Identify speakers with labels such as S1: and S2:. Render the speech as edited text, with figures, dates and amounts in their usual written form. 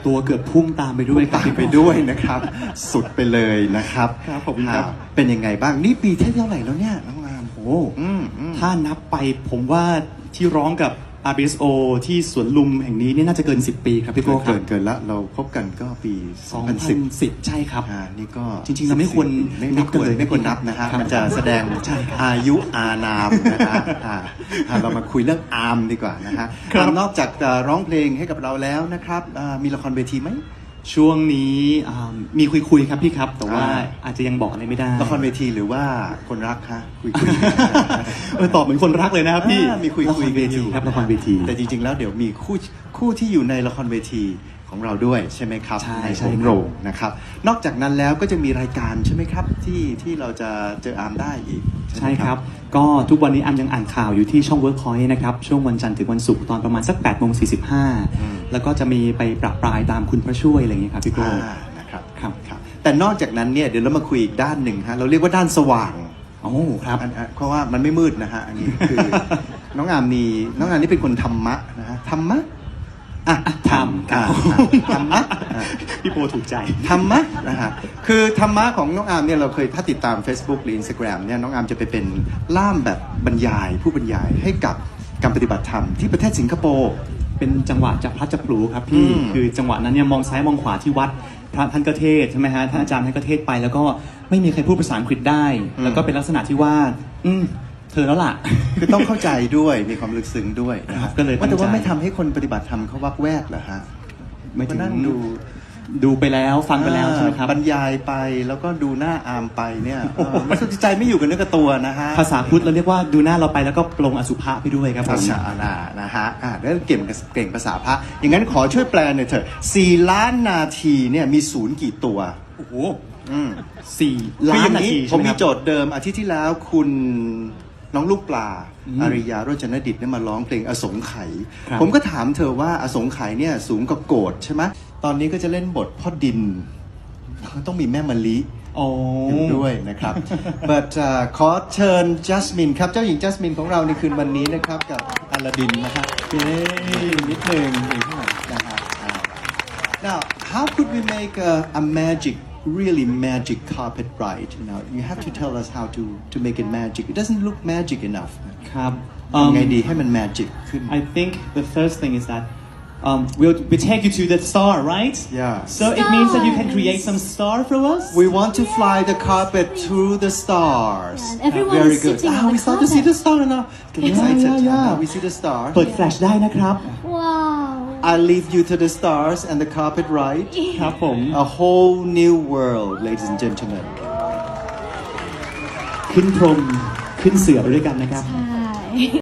S1: ตัวเกือบพุ่งตามไปด้วยครับ
S2: ตามไปด้วยนะครับ สุดไปเลยนะครับ
S1: ครับขอบคุณครับ
S2: เป็นยังไงบ้างนี่ปีที่เท่าไหร่แล้วเนี่ยน้องอาม
S1: โอ้ถ้านับไปผมว่าที่ร้องกับ RBSO ที่สวนลุมแห่งนี้เนี่ยน่าจะเกิน 10 ปีครับพี่โก้ครับ
S2: เกินละเราพบกันก็ปี 2010
S1: 2010 ใช่ครับ
S2: นี่ก็
S1: จริงๆเราไม่ควรนับกันเลย
S2: ไม่ควรนับนะฮะ
S1: ครับ
S2: มันจะแสดง
S1: ใช่ครับ
S2: อายุอานามนะฮะเรามาคุยเรื่องอาร์มดีกว่านะฮะ
S1: ครับ
S2: อาร์มนอกจากจะร้องเพลงให้กับเราแล้วนะครับมีละครเวทีไหม
S1: ช่วงนี้มีคุยครับพี่ครับ แต่ว่าอาจจะยังบอกอะไรไม่ได้
S2: ละครเวทีหรือว่าคนรักฮะคุย
S1: ตอบเหมือนคนรักเลยนะครับพี่
S2: มีคุย
S1: ละครเว
S2: กันอ
S1: ที
S2: ยู่
S1: ครับละครเวที
S2: แต่จริงๆแล้วเดี๋ยวมีคู่ที่อยู่ในละครเวทีของเราด้วยใช่ไหมครับ
S1: ใช่
S2: ใน
S1: ใช่
S2: โหมโรงนะครับนอกจากนั้นแล้วก็จะมีรายการใช่ไหมครับที่เราจะเจออาร์มได้อีก
S1: ใช่
S2: ไหม
S1: ครับ ก็ทุกวันนี้อันยังอ่านข่าวอยู่ที่ช่อง Workpoint นะครับ ช่วงวันจันทร์ถึงวันศุกร์ตอนประมาณสัก8:45 แล้วก็จะมีไปประปรายตามคุณพระช่วยอะไรอย่างเงี้ยครับพี่โก้
S2: นะครับ
S1: ครับ
S2: แต่นอกจากนั้นเนี่ยเดี๋ยวเรามาคุยอีกด้านหนึ่งฮะเราเรียกว่าด้านสว่าง
S1: โอ้ครับ
S2: เพราะว่ามันไม่มืดนะฮะอันนี้คือ น้องอามนี่เป็นคนธรรมะนะฮะธรรมะธรรมะ
S1: พี่โปถูกใจ
S2: ธรรมะนะฮะคือธรรมะของน้องอาร์มเนี่ยเราเคยถ้าติดตาม Facebook หรือ Instagram เนี่ยน้องอาร์มจะไปเป็นล่ามแบบบรรยายผู้บรรยายให้กับการปฏิบัติธรรมที่ประเทศสิงคโปร์
S1: เป็นจังหวะจับพลัดจับผลูครับพี่ คือจังหวะนั้นเนี่ยมองซ้ายมองขวาที่วัดพระท่านก็เทศน์ใช่ไหมฮะท่านอาจารย์ท่านก็เทศน์ไป แล้วก็ไม่มีใครพูดภาษาอังกฤษได้ แล้วก็เป็นลักษณะที่ว่าเธอแล้วล่ะ
S2: คือต้องเข้าใจด้วยมีความลึกซึ้งด้วยนะ
S1: ครั
S2: ฮะ
S1: บก็เลยตั้งใจ
S2: แต่ว่าไม่ทำให้คนปฏิบัติธรรมเขาวักแวกเหรอฮะ
S1: ไม่ถึง
S2: มานั่ง
S1: ดูไปแล้วฟังไปแล้วใช่ไหมครับ
S2: บรรยายไปแล้วก็ดูหน้าอาร์มไปเนี่ยมันสุดใจไม่อยู่กับเนื้อกับตัวนะฮะ
S1: ภาษาพุทธเราเรียกว่าดูหน้าเราไปแล้วก็ปลงอสุภะไปด้วยครับผม
S2: ภาษานะฮะแล้วเก่งภาษาพระอย่างนั้นขอช่วยแปลหน่อยเถอะ4 ล้านนาทีเนี่ยมีศูนย์กี่ตัว
S1: โอ้โห
S2: คือ
S1: 4 ล้า
S2: อน ย่าง
S1: นา
S2: นี้
S1: ที
S2: ผ
S1: ใช่
S2: ม
S1: ไหมค
S2: มี
S1: รับ
S2: โจทย์เดิมอาทิตย์ที่แล้วคุณน้องลูกปลาอาริยาโรจนดิตเนี่ยมาร้องเพลงอสงไขย
S1: ครับ
S2: ผมก็ถามเธอว่าอสงไขยเนี่ยสูงกว่าโกฏใช่ไหมตอนนี้ก็จะเล่นบทพ่อดินต้องมีแม่มะลิ
S1: โอ้
S2: อยู่ด้วยนะครับ but ขอเชิญจัสมินครับเจ้าหญิงจัสมินของเราในคืนวันนี้นะครับกับอลาดินนะครับเย้นิดหนึ่งอีกหน่อยนะครับNow how could we make a magic really magic carpet ride you have to tell us how to make it magic it doesn't look magic enough
S1: ครับ
S2: ทำไงดีให้มัน magic ขึ้น
S1: I think the first thing is that we take you to the star, right?
S2: Yeah.
S1: So it means that you can create some star for us.
S2: We want to fly the carpet through the stars.
S3: And everyone
S2: Very
S3: is
S2: good.
S3: sitting on
S2: We
S3: the
S2: start to see
S3: carpet.
S2: the star now. Get excited.
S1: Yeah.
S2: Now we see the star.
S1: เปิดแฟลชได้นะครับ
S3: Wow.
S2: I lead you to the stars and the carpet ride.
S1: ครับผม
S2: A whole new world, ladies and gentlemen.
S1: ขึ้นพรมขึ้นเสือไปด้วยกันนะครับ
S3: ใช่